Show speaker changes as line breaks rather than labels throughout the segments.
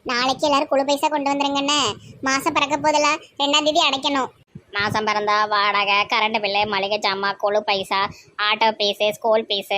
நாளைக்கு எல்லாரும் குழு பைசா கொண்டு வந்துருங்கண்ணே. மாசம் பிறக்க போதெல்லாம் 2ஆம் தேதி அடைக்கணும்.
மாதம் பிறந்தா வாடகை, கரண்ட் பில்லு, மளிகை ஜாமான், கொழு பைசா, auto fees, school fees,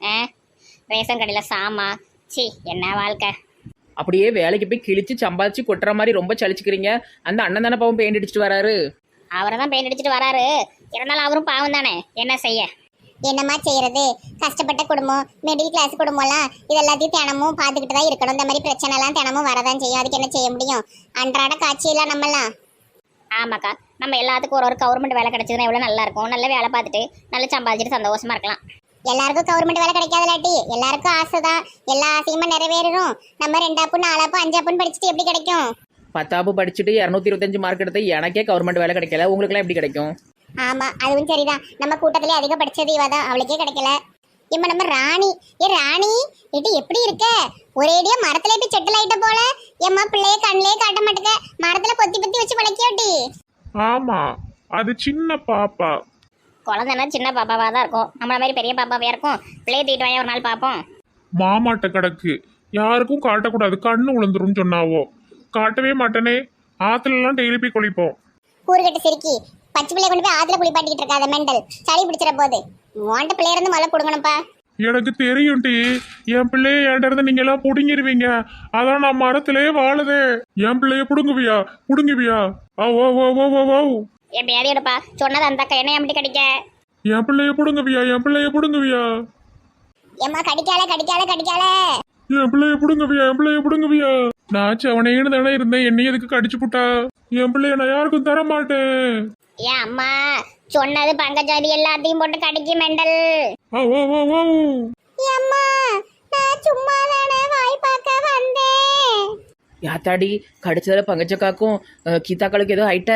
ration கடையில் சாமா. சி என்ன வாழ்க்கை.
அப்படியே வேலைக்கு போய் கிழிச்சு சம்பாதிச்சு கொட்டுற மாதிரி ரொம்ப சலிச்சுக்கிறீங்க. அந்த அண்ணன் தானே பாவம் பெயிண்ட் அடிச்சுட்டு வராரு.
அவரை தான் பெயிண்ட் அடிச்சுட்டு வராரு. இருந்தாலும் அவரும் பாவம் தானே, என்ன செய்ய.
என்னம்மா செய்யறது? கஷ்டப்பட்ட குடும்பம், மிடில் கிளாஸ் குடும்பம்லாம் இது எல்லாத்தையும் தினமும் பார்த்துக்கிட்டு தான் இருக்கணும். இந்த மாதிரி பிரச்சனை எல்லாம் தினமும் வரதான் செய்யும். அதுக்கு என்ன செய்ய முடியும்? அன்றாட காட்சியெல்லாம் நம்மலாம்.
ஆமாக்கா, நம்ம எல்லாத்துக்கும் ஒரு கவர்மெண்ட் வேலை கிடைச்சதுன்னா எவ்வளோ நல்லா இருக்கும். நல்ல வேலை பார்த்துட்டு நல்லா சம்பாதிச்சுட்டு சந்தோஷமா இருக்கலாம்.
எல்லாருக்கும் கவர்மெண்ட் வேலை கிடைக்காதலாட்டி எல்லாருக்கும் ஆசை தான். எல்லா ஆசையுமே நிறைவேறும். நம்ம 2ஆப்பு 4ஆப்பு 5ஆப்புன்னு படிச்சுட்டு எப்படி கிடைக்கும்?
10ஆப்பு படிச்சுட்டு 225 மார்க் எடுத்து எனக்கே கவர்மெண்ட் வேலை கிடைக்கல, உங்களுக்குலாம் எப்படி கிடைக்கும்?
ஆமா, அதுவும் சரிதான். நம்ம கூட்டத்திலே அதிக படிச்சது இவ தான், அவளுக்கே கிடைக்கல. இப்ப நம்ம ராணி. ராணி இது எப்படி இருக்க? ஒரேடியா மரத்துல போய் செட்டில் ஆயிட்ட போல. எம்மா பிள்ளைய கண்ணிலே காட்ட மாட்டேங்க. மரத்துல பொத்தி பொத்தி வச்சு பழக்கியோட்டி.
ஆமா, அது சின்ன பாப்பா.
குழந்தைன்னா சின்ன பாப்பாவாக தான் இருக்கும். நம்மள மாதிரி பெரிய பாப்பாவே இருக்கும். பிள்ளைய தூக்கிட்டு வாங்க ஒரு நாள் பார்ப்போம்.
மாமாட்ட கிடக்கு, யாருக்கும் காட்டக்கூடாது, கண்ணு உளுந்துரும் சொன்னாவோ. காட்டவே மாட்டேனே. ஆத்துல எல்லாம் டெய்லி போய் குளிப்போம்.
கூறுகட்டு சிரிக்கி பச்சை பிள்ளைய கொண்டு போய் ஆத்துல குளிப்பாட்டிக்கிட்டு இருக்காத மெண்டல். சளி பிடிச்சிட போகுது. உன்ட்ட பிள்ளைய இருந்து முதல்ல கொடுங்கணும்ப்பா.
எனக்கு தெரியும் டி, என் பிள்ளைய என்கிட்ட இருந்து நீங்க எல்லாம் புடுங்கிருவீங்க. அதான் நான் மரத்திலே வாழுதே. என் பிள்ளைய புடுங்குவியா? புடுங்குவியா? ஓ ஓ ஓ ஓ ஓ ஓ.
என் பேதி எடுப்பா சொன்னது அந்த அக்கா என்ன எப்படி கிடைக்க.
என் பிள்ளைய புடுங்குவியா? என் பிள்ளைய புடுங்குவியா?
ஏம்மா கடிக்கால கடிக்கால கடிக்கால.
என் பிள்ளைய புடுங்குவியா? என் பிள்ளைய புடுங்குவியா? நான் செவனேன்னு தானே இருந்தேன், என்னைய எதுக்கு கடிச்சு புட்டா? என் பிள்ளைய நான் யாருக்கும் தர மாட்டேன்.
ஏன் அம்மா சொன்னது பங்கஜாதி எல்லாத்தையும் போட்டு கடிக்கு மெண்டல்.
ஓ ஓ ஓ ஓ.
அம்மா நான் சும்மா தானே வாய் பார்க்க வந்தேன்.
யாத்தாடி கடிச்சதில் பங்கச்சக்காக்கும் கீதாக்களுக்கு ஏதோ ஆயிட்ட.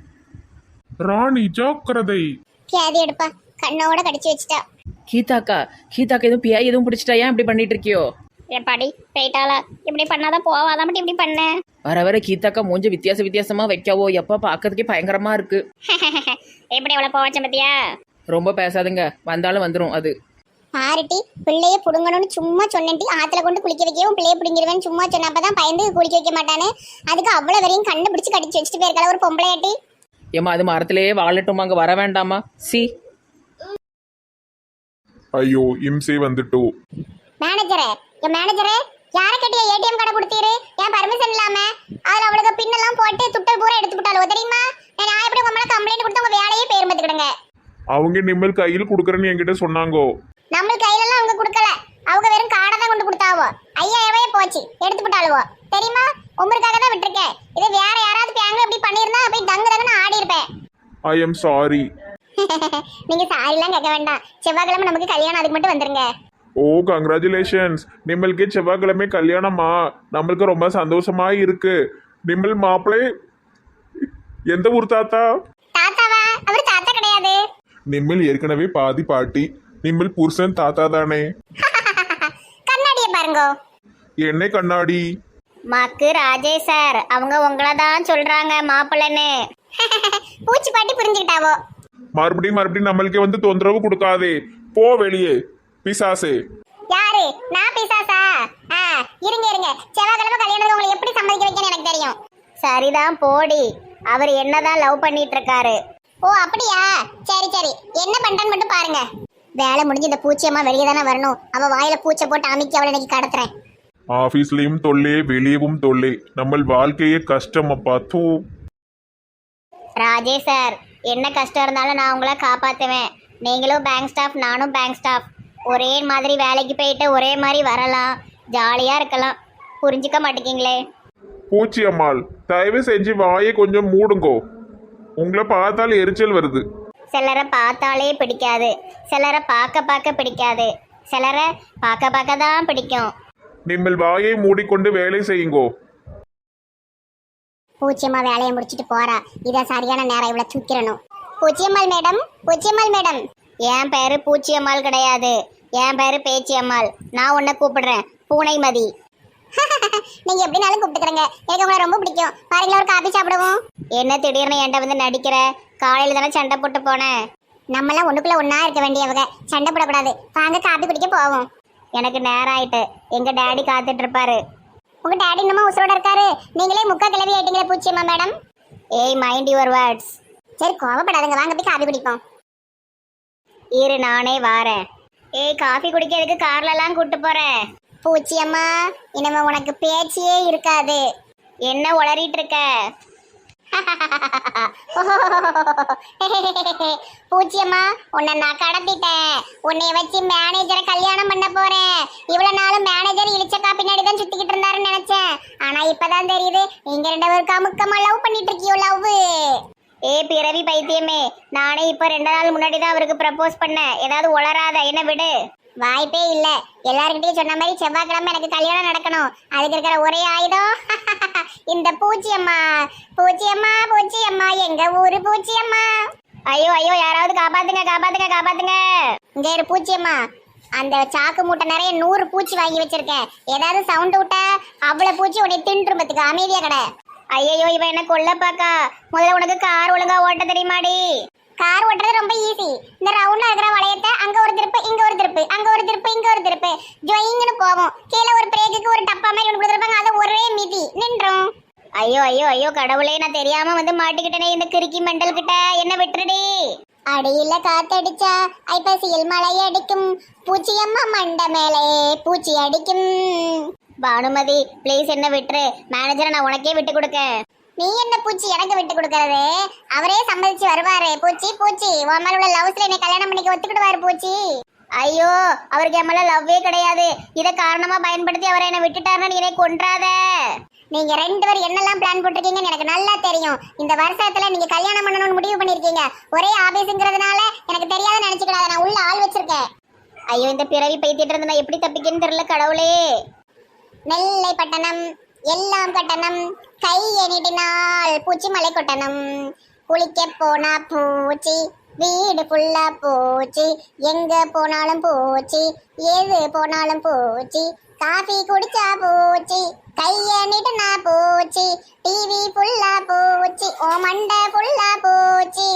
ராணி ஜாக்கிரதை.
கேதி எடுப்பா, கண்ணோட கடிச்சு வச்சுட்டா.
கீதாக்கா எதுவும் பியா எதுவும் பிடிச்சிட்டா? ஏன் இப்படி பண்ணிட்டு இருக்கியோ?
எப்பாடி போயிட்டாளா? இப்படி பண்ணாதான் போவாதான் மட்டும் இப்படி பண்ண.
வர வர கீதாக்கா மூஞ்ச வித்தியாசமா வைக்கவோ. எப்ப பாக்கிறதுக்கே பயங்கரமா இருக்கு.
எப்படி எவ்வளவு போவாச்ச பத்தியா?
ரொம்ப பேசாதுங்க, வந்தாலும் வந்துடும் அது.
பாருட்டி, பிள்ளைய புடுங்கணும்னு சும்மா சொன்னேன்டி. ஆத்துல கொண்டு குளிக்க வைக்கவும் பிள்ளைய புடுங்கிடுவேன்னு சும்மா சொன்னப்பதான் பயந்து குளிக்க வைக்க மாட்டானே. அதுக்கு அவ்வளவு வரையும் கண்டுபிடிச்சு கடிச்சு வச்சுட்டு போயிருக்கல ஒரு பொம்பளையாட்டி.
ஏமா அது மரத்திலேயே வாழட்டும், அங்க வர வேண்டாமா? சி
ஐயோ, இம்சை வந்துட்டோ.
மேனேஜரே, என் மேனேஜரே, யாரை கட்டிய ஏடிஎம் கார்டை கொடுத்தீரு? ஏன் பர்மிஷன் இல்லாம? அதுல அவளுக்கு பின்னெல்லாம் போட்டு துட்டல் பூரா எடுத்து விட்டாலோ தெரியுமா? நான் எப்படி உங்க மேல கம்ப்ளைண்ட் கொடுத்து உங்க வேலையே பேர் பார்த்துக்கிடுங்க.
அவங்க நிம்மல் கையில் கொடுக்குறேன்னு என்கிட்ட சொன்னாங்கோ.
நம்ம கையிலலாம் அவங்க கொடுக்கல. அவங்க வெறும் காடை தான் கொண்டு கொடுத்தாவோ. 5000 போச்சு, எடுத்து விட்டாளுவோ தெரியுமா? உங்களுக்காக தான் விட்டுருக்கேன். இதை வேற யாராவது பேங்க்ல இப்படி பண்ணியிருந்தா போய் தங்கு தங்குன்னு ஆடி இருப்பேன்.
I am sorry.
நீங்க சாரிலாம் கேட்க வேண்டாம். செவ்வாய்க்கிழமை நமக்கு கல்யாணம், அதுக்கு மட்டும் வந்துருங்க.
ஓ கங்க்ராச்சுலேஷன்ஸ். நிம்மளுக்கே செவ்வாய்க்கிழமை கல்யாணமா? நம்மளுக்கு ரொம்ப சந்தோஷமா இருக்கு. நிம்மல் மாப்பிள்ளை எந்த ஊர் தாத்தா?
தாத்தாவா? அவர் தாத்தா கிடையாது.
நிம்மல் ஏற்கனவே பாதி பாட்டி. நிம்மல் புருஷன் தாத்தா தானே.
கண்ணாடியை பாருங்க.
என்ன கண்ணாடி?
மக்கு ராஜேஷ் சார், அவங்க உங்களை தான் சொல்றாங்க மாப்பிள்ளைன்னு.
பூச்சி பாட்டி புரிஞ்சுக்கிட்டாவோ.
மறுபடியும் நம்மளுக்கே வந்து தொந்தரவு கொடுக்காதே. போ வெளியே பிசாசே.
யாரு? நான் பிசாசா? இருங்க செவ்வாய்க்கிழமை கல்யாணத்துக்கு உங்களை எப்படி சம்மதிக்க வைக்கணும்னு எனக்கு தெரியும்.
சரிதான் போடி. அவர் என்னதான் லவ் பண்ணிட்டு இருக்காரு.
ஓ அப்படியா? சரி என்ன பண்றான்னு மட்டும் பாருங்க. வேலை முடிஞ்சு இந்த பூச்சியம்மா வெளியே தானே வரணும். அவ வாயில பூச்சை போட்டு அமைக்கி அவளை இன்னைக்கு கடத்துறேன்.
ஆபீஸ்லயும் தொல்லே, வெளியவும் தொல்லே. நம்ம வாழ்க்கையே கஷ்டம் அப்பா. தூ.
ராஜேஷ் சார், என்ன கஷ்டம் இருந்தாலும் நான் உங்களை காப்பாற்றுவேன். நீங்களும் பேங்க் ஸ்டாஃப், நானும் பேங்க் ஸ்டாஃப். ஒரே மாதிரி வேலைக்கு போயிட்டு ஒரே மாதிரி வரலாம், ஜாலியாக இருக்கலாம். புரிஞ்சுக்க மாட்டேங்கிங்களே.
பூச்சி அம்மாள், தயவு செஞ்சு வாயை கொஞ்சம் மூடுங்கோ. உங்களை பார்த்தால் எரிச்சல் வருது.
சிலரை பார்த்தாலே பிடிக்காது, சிலரை பார்க்க பிடிக்காது, சிலரை பார்க்க தான் பிடிக்கும்.
நீங்கள் வாயை மூடிக்கொண்டு வேலை செய்யுங்கோ.
பூச்சியம்மா வேலையை முடிச்சிட்டு போறா. இதை சரியான நேரம் இவ்வளவு தூக்கிடணும். பூச்சியம்மாள் மேடம்.
என் பேரு பூச்சியம்மாள் கிடையாது, என் பேரு பேச்சியம்மாள். நான் உன்னை கூப்பிடுறேன் பூனைமதி.
நீங்க எப்படினாலும் கூப்பிட்டுக்கிறேங்க. எனக்கு உங்களை ரொம்ப பிடிக்கும். பாருங்களா, ஒரு காபி சாப்பிடுவோம்.
என்ன திடீர்னு என்கிட்ட வந்து நடிக்கிற? காலையில தானே சண்டை போட்டு போனேன்.
நம்மளாம் ஒண்ணுக்குள்ள ஒன்னா இருக்க வேண்டியவங்க, சண்டை போடக்கூடாது. வாங்க காபி குடிக்க போவோம்.
எனக்கு நேரம் ஆயிட்டு, எங்க டேடி காத்துட்டு இருப்பாரு.
உங்க டாடி இன்னமும் உசுரோட இருக்காரு. நீங்களே முக்கா கிளவி ஆயிட்டீங்களே பூச்சியம்மா மேடம்.
ஏய் மைண்ட் யுவர் வேர்ட்ஸ்.
சரி கோவப்படாதுங்க, வாங்க போய் காபி குடிப்போம்.
இரு நானே வாரேன். ஏய் காஃபி குடிக்கிறதுக்கு கார்லலாம் கூட்டு போறேன்.
பூச்சியம்மா இனிமே உனக்கு பேச்சியே இருக்காது.
என்ன உளறிட்டு இருக்க?
பூச்சியம்மா உன்னை நான் கடத்திட்டேன். உன்னை வச்சு மேனேஜரை கல்யாணம் பண்ண போறேன். இவ்வளவு நாளும் மேனேஜர் இழிச்சக்கா பின்னாடி தான் சுத்திக்கிட்டு இருந்தாருன்னு நினைச்சேன். ஆனா இப்பதான் தெரியுது நீங்க 2 பேரும் கமுக்கமா லவ் பண்ணிட்டு இருக்கியோ. லவ்
ஏ பிறவி பைத்தியமே, நானே இப்ப 2 நாள் முன்னாடி தான் அவருக்கு ப்ரப்போஸ் பண்ணேன். ஏதாவது உளராத, என்ன விடு.
வாய்ப்பே இல்ல. எல்லார்கிட்டயும் சொன்ன மாதிரி செவ்வாய்க்கிழமை எனக்கு கல்யாணம் நடக்கணும். அதுக்கு இருக்கிற ஒரே ஆயுதம் இந்த பூச்சியம்மா. பூச்சியம்மா பூச்சியம்மா எங்க ஊரு பூச்சியம்மா.
ஐயோ ஐயோ, யாராவது காப்பாத்துங்க காப்பாத்துங்க காப்பாத்துங்க.
இங்க இரு பூச்சியம்மா, அந்த சாக்கு மூட்டை நிறைய 100 பூச்சி வாங்கி வச்சிருக்கேன். ஏதாவது சவுண்ட் விட்டா அவ்வளவு பூச்சி உன்னை தின்றும்பத்துக்கு அமைதியா கடை.
ஐயோ இவன் என்ன கொல்ல பாக்கா. முதல்ல உனக்கு கார் ஒழுங்கா ஓட்ட தெரியுமாடி?
கார் ஓட்டுறது ரொம்ப ஈஸி. இந்த ரவுண்டா இருக்கிற வளையத்தை அங்க ஒரு திருப்பு, இங்க ஒரு திருப்பு, அங்க ஒரு திருப்பு, இங்க ஒரு திருப்பு, ஜொயிங்னு போவோம். கீழே ஒரு பிரேக்குக்கு ஒரு டப்பா மாதிரி ஒன்று கொடுத்துருப்பாங்க, அதை ஒரே மிதி நின்றோம்.
ஐயோ ஐயோ ஐயோ கடவுளே, நான் தெரியாம வந்து மாட்டிக்கிட்டேனே இந்த கிறுக்கி மெண்டல் கிட்ட. என்ன விட்டுருடி.
அடியில காத்தடிச்சா ஐப்பசியில் மழை அடிக்கும். பூச்சியம்மா மண்ட மேலே பூச்சி அடிக்கும்.
பானுமதி ப்ளீஸ் என்ன விட்டுரு. மேனேஜரை நான் உனக்கே விட்டு கொடுக்க.
நீ என்ன பூச்சி எனக்கு விட்டு கொடுக்கறது? அவரே சம்மதிச்சு வருவாரு. பூச்சி பூச்சி உன் மேல உள்ள லவ்ஸ்ல என்னை கல்யாணம் பண்ணிக்க ஒத்துக்கிடுவாரு பூச்சி.
ஐயோ அவருக்கு என் மேல லவ்வே கிடையாது. இதை காரணமா பயன்படுத்தி அவரை என்ன விட்டுட்டாருன்னு நீ என்னை கொன்றாத.
நீங்க 2 பேரும் என்னெல்லாம் பிளான் போட்டிருக்கீங்கன்னு எனக்கு நல்லா தெரியும். இந்த வருஷத்துல நீங்க கல்யாணம் பண்ணணும்னு முடிவு பண்ணிருக்கீங்க. ஒரே ஆபீஸ்ங்கிறதுனால எனக்கு தெரியாத நினைச்சுக்கிடாத. நான் உள்ள ஆள் வச்சிருக்கேன்.
ஐயோ இந்த பிறவி பைத்திட்டு இருந்து நான் எப்படி தப்பிக்கன்னு தெரியல கடவுளே.
நெல்லை பட்டணம் எல்லாம் கட்டணம், கை எண்ணிட்டினால் பூச்சி மலை கொட்டணம். குளிக்க போனா பூச்சி, வீடு ஃபுல்லா பூச்சி, எங்க போனாலும் பூச்சி, எது போனாலும் பூச்சி, காஃபி குடிச்சா பூச்சி, கைய நீட்டுனா பூச்சி, டிவி ஃபுல்லா பூச்சி, ஓ மண்டை ஃபுல்லா பூச்சி.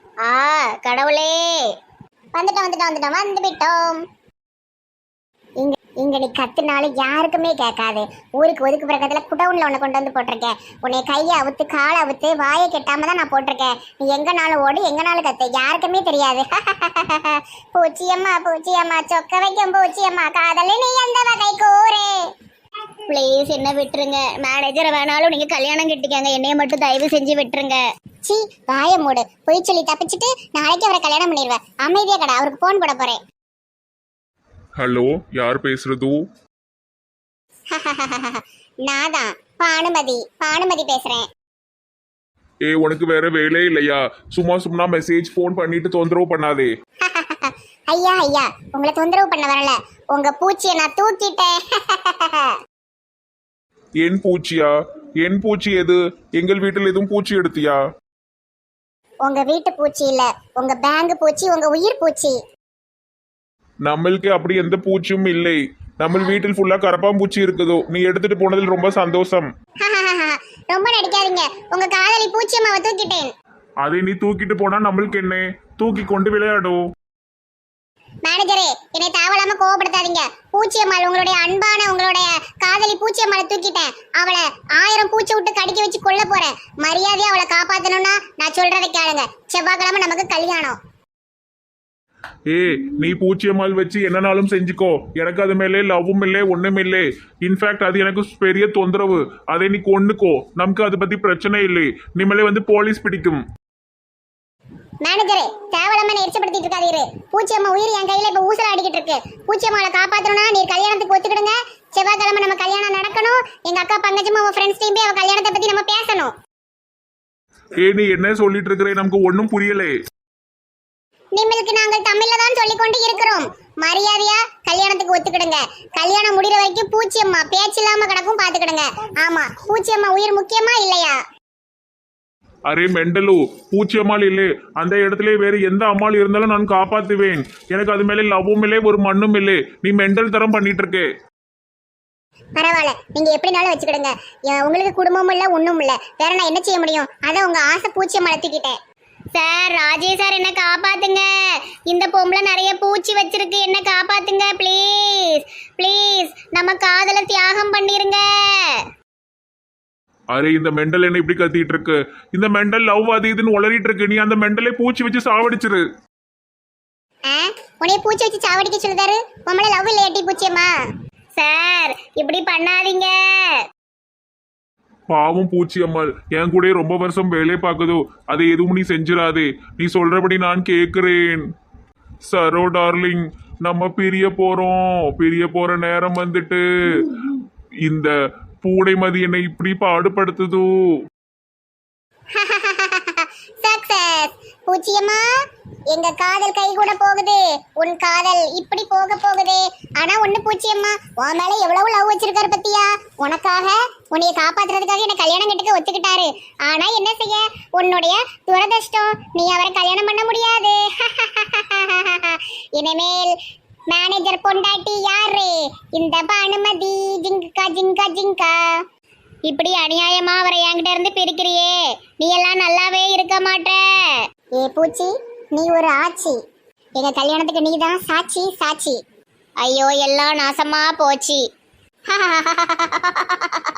கடவுளே.
வந்துட்டோம். இங்க நீ கத்துனாலும் யாருக்குமே கேட்காது. ஊருக்கு ஒதுக்கு பக்கத்துல குடவுன்ல உன்னை கொண்டு வந்து போட்டிருக்கேன். உன்னை கையை அவுத்து காலை அவுத்து வாயை கெட்டாம தான் நான் போட்டிருக்கேன். நீ எங்கனாலும் ஓடு, எங்கனாலும் கத்து, யாருக்குமே தெரியாது. பூச்சியம்மா பூச்சியம்மா சொக்க வைக்கும் பூச்சியம்மா, காதல நீ எந்த வகை கூறே.
ப்ளீஸ் என்ன விட்டுருங்க. மேனேஜரை வேணாலும் நீங்க கல்யாணம் கட்டிக்கங்க, என்னைய மட்டும் தயவு செஞ்சு விட்டுருங்க.
சி வாய மூடு. பொய் சொல்லி தப்பிச்சுட்டு நாளைக்கு அவரை கல்யாணம் பண்ணிடுவேன். அமைதியா கடை. அவருக்கு போன் போட போறேன்.
ஹலோ, யார் பேசுறது?
நான் தான் பானுமதி பேசுறேன்.
உனக்கு வேற வேலை இல்லையா? சும்மா மெசேஜ் போன் பண்ணிட்டு தொந்தரவு பண்ணாதே.
ஐயா உங்களை தொந்தரவு பண்ண வரல. உங்க பூச்சியை நான் தூக்கிட்டேன்.
என் பூச்சியா? என் பூச்சி எது? எங்கள் வீட்டில் எதுவும் பூச்சி எடுத்தியா?
உங்க வீட்டு பூச்சி இல்ல, உங்க பேங்க் பூச்சி, உங்க உயிர் பூச்சி.
நம்மளுக்கு அப்படி எந்த பூச்சியும் இல்லை. நம்ம வீட்டில் ஃபுல்லா கரப்பாம்பூச்சி இருக்குதோ. நீ எடுத்துட்டு போனதில் ரொம்ப சந்தோஷம்.
ரொம்ப நடிக்காதீங்க. உங்க காதலி பூச்சியம்மாவை தூக்கிட்டேன்.
அதை நீ தூக்கிட்டு போனா நம்மளுக்கு என்ன? தூக்கி கொண்டு விளையாடும்.
மேனேஜரே என்னை தேவையில்லாம கோவப்படுத்தாதீங்க. பூச்சியம்மாள், உங்களுடைய அன்பான உங்களுடைய காதலி பூச்சியம்மாளை தூக்கிட்டேன். அவளை 1000 பூச்சி விட்டு கடிக்க வச்சு கொல்ல போறேன். மரியாதையா அவளை காப்பாத்தணும்னா நான் சொல்றதை கேளுங்க. செவ்வாய்க்கிழமை நமக்கு கல்யாணம்.
நீ பூச்சியம்மாள் வச்சு என்னனாலும் செஞ்சுக்கோ. எனக்கு அது மேலே லவ்வும் இல்லை, ஒண்ணும் இல்லை. இன்ஃபேக்ட் அது எனக்கு பெரிய தொந்தரவு. அதை நீ கொன்னுக்கோ. நமக்கு அதை பத்தி பிரச்சனை இல்லை. நிம்மளே வந்து போலீஸ் பிடிக்கும்.
மேனேஜரே தேவையில்லாம எரிச்சப்படுத்திட்டு இருக்காதீரு. பூச்சியம்மா உயிர் என் கையில இப்ப ஊசல அடிக்கிட்டு இருக்கு. பூச்சியம்மாவை காப்பாத்தணும்னா நீ கல்யாணத்துக்கு ஒத்துக்கிடுங்க. செவ்வாய்க்கிழமை நம்ம கல்யாணம் நடக்கணும். எங்க அக்கா பங்கஜமா அவ ஃப்ரெண்ட்ஸ் டீம் அவ கல்யாணத்தை பத்தி நம்ம பேசணும்.
நீ என்ன சொல்லிட்டு இருக்கிறே? நமக்கு ஒன்னும் புரியலே.
நிம்மளுக்கு நாங்கள் தமிழ்ல தான் சொல்லிக் கொண்டு இருக்கிறோம். மரியாதையா கல்யாணத்துக்கு ஒத்துக்கிடுங்க. கல்யாணம் முடிகிற வரைக்கும் பூச்சியம்மா பேச்சு இல்லாம கிடக்கும், பாத்துக்கிடுங்க. ஆமா, பூச்சியம்மா உயிர் முக்கியமா இல்லையா?
அரே மெண்டலு, பூச்சியம்மாள் இல்லை. அந்த இடத்துல வேற எந்த அம்மாள் இருந்தாலும் நான் காப்பாத்துவேன். எனக்கு அது மேலே லவ்வும் இல்லை, ஒரு மண்ணும் இல்லை. நீ மெண்டல் தரம் பண்ணிட்டு இருக்கே.
பரவாயில்ல, நீங்க எப்படினாலும் வச்சுக்கிடுங்க. உங்களுக்கு குடும்பமும் இல்ல, ஒண்ணும் இல்ல. வேற நான் என்ன செய்ய முடியும்? அதான் உங்க ஆசை பூச்சியம்மாளை தூக்கிட்டேன்.
சார், ராஜேஷ் சார் என்ன காப்பாத்துங்க. இந்த பொம்பளை நிறைய பூச்சி வச்சிருக்கு, என்ன காப்பாத்துங்க ப்ளீஸ் ப்ளீஸ். நம்ம காதலை தியாகம் பண்ணிருங்க.
அரே இந்த மெண்டல் என்ன இப்படி கத்திட்டு இருக்கு? இந்த மெண்டல் லவ் அது இதுன்னு உளறிட்டு இருக்கு. நீ அந்த மெண்டலே பூச்சி வச்சு சாவடிச்சிரு.
உன்னைய பூச்சி வச்சு சாவடிக்க சொல்லுதாரு. உம்மள லவ் இல்லையாட்டி பூச்சியம்மா?
சார் இப்படி பண்ணாதீங்க.
பாவம் பூச்சி அம்மாள் என் கூட ரொம்ப வருஷம் வேலை பார்க்குதோ, அதை எதுவும் நீ செஞ்சிடாதே. நீ சொல்றபடி நான் கேட்கிறேன். சரோ டார்லிங், நம்ம பிரிய போற நேரம் வந்துட்டு. இந்த பூடைமதி என்னை இப்படி பாடுபடுத்துதோ.
சக்சஸ் பூச்சியம்மா, எங்க காதல் கை கூட போகுது. உன் காதல் இப்படி போக போகுது. ஆனா ஒண்ணு பூச்சியம்மா, உன் மேல எவ்வளவு லவ் வச்சிருக்காரு பத்தியா? உனக்காக உன்னைய காப்பாத்துறதுக்காக என்ன கல்யாணம் கட்டுக்க ஒத்துக்கிட்டாரு. ஆனா என்ன செய்ய, உன்னுடைய துரதிர்ஷ்டம், நீ அவரை கல்யாணம் பண்ண முடியாது. இனிமேல் மேனேஜர் பொண்டாட்டி யாரு? இந்த பானுமதி. ஜிங்கா ஜிங்கா ஜிங்கா.
இப்படி அநியாயமா அவரை என்கிட்ட இருந்து பிரிக்கிறியே, நீ எல்லாம் நல்லாவே இருக்க மாட்ட.
ஏ பூச்சி, நீ ஒரு ஆச்சி. எங்க கல்யாணத்துக்கு நீதான் சாட்சி சாட்சி.
ஐயோ எல்லாம் நாசமா போச்சு.